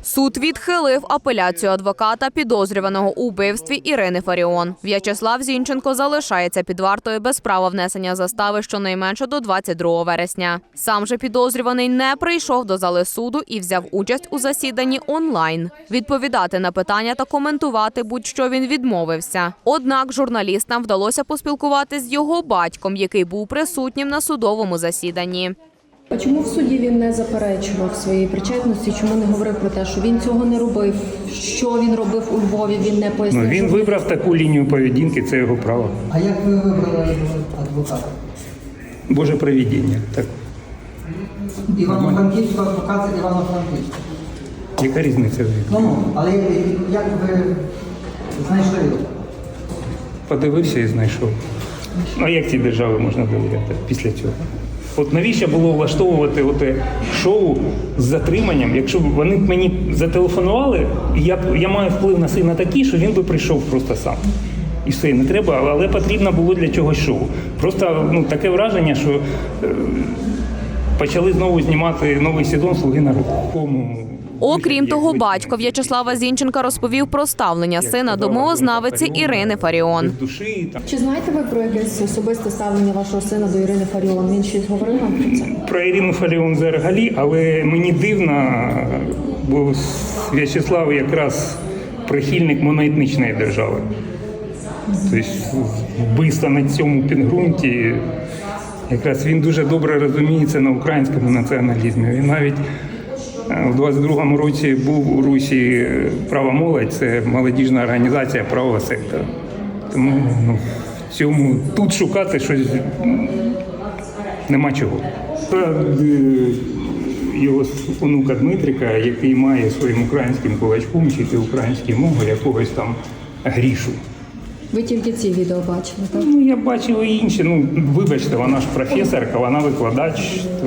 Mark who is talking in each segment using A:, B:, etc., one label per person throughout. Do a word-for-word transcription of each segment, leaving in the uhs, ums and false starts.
A: Суд відхилив апеляцію адвоката підозрюваного у вбивстві Ірини Фаріон. В'ячеслав Зінченко залишається під вартою без права внесення застави щонайменше до двадцять другого вересня. Сам же підозрюваний не прийшов до зали суду і взяв участь у засіданні онлайн. Відповідати на питання та коментувати будь-що він відмовився. Однак журналістам вдалося поспілкуватися з його батьком, який був присутнім на судовому засіданні.
B: А чому в суді він не заперечував своєї причетності? Чому не говорив про те, що він цього не робив? Що він робив у Львові? Він не пояснив.
C: Ну, він вибрав таку лінію поведінки, це його право.
D: А як ви вибрали адвоката?
C: Боже провидіння. Так.
D: Івано-Франківського адвоката Івано-Франківського.
C: Яка різниця?
D: Ну, але як ви знайшли його?
C: Подивився і знайшов. Ну, а як цій державі можна довіряти після цього? От навіщо було влаштовувати оте шоу з затриманням, якщо б вони мені зателефонували, і я, я маю вплив на сина такий, що він би прийшов просто сам. І все, не треба, але потрібно було для чогось шоу. Просто ну, таке враження, що е, почали знову знімати новий сезон «Слуги народу».
A: Окрім того, батько В'ячеслава Зінченка розповів про ставлення сина до мовознавиці Ірини Фаріон.
B: Чи знаєте ви про якесь особисте ставлення вашого сина до Ірини Фаріон? Він щось говорив вам про це?
C: Про Ірину Фаріон взагалі, але мені дивно, бо В'ячеслав якраз прихильник моноетнічної держави. Тобто вбивство на цьому підґрунті, якраз він дуже добре розуміється на українському націоналізмі. Він навіть у двадцять другому році був у Русі «Права молодь», це молодіжна організація правого сектора. Тому ну, в цьому тут шукати щось нема чого. Його онука Дмитрика, який має своїм українським кулачком вчити українську мову якогось там Грішу.
B: Ви тільки ці відео бачили, так?
C: Ну, я бачив і інші. Ну, вибачте, вона ж професорка, вона викладач. То...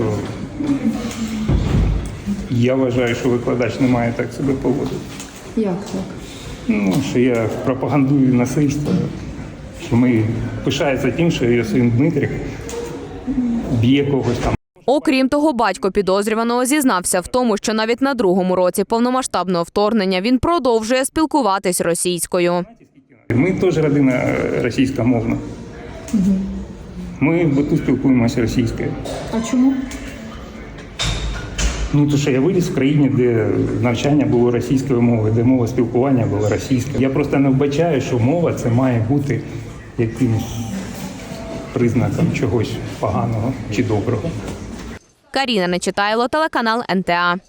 C: Я вважаю, що викладач не має так себе поводити.
B: Як так?
C: Ну, що я пропагандую насильство, що ми пишається тим, що його син Дмитрик б'є когось там.
A: Окрім того, батько підозрюваного зізнався в тому, що навіть на другому році повномасштабного вторгнення він продовжує спілкуватись російською.
C: Ми теж родина російськомовна. Ми тут спілкуємося російською.
B: А чому?
C: Ну, тому що я виріс в країні, де навчання було російською мовою, де мова спілкування була російською. Я просто не вбачаю, що мова це має бути якимось признаком чогось поганого чи доброго.
A: Каріна Нечитайло, телеканал ен те а.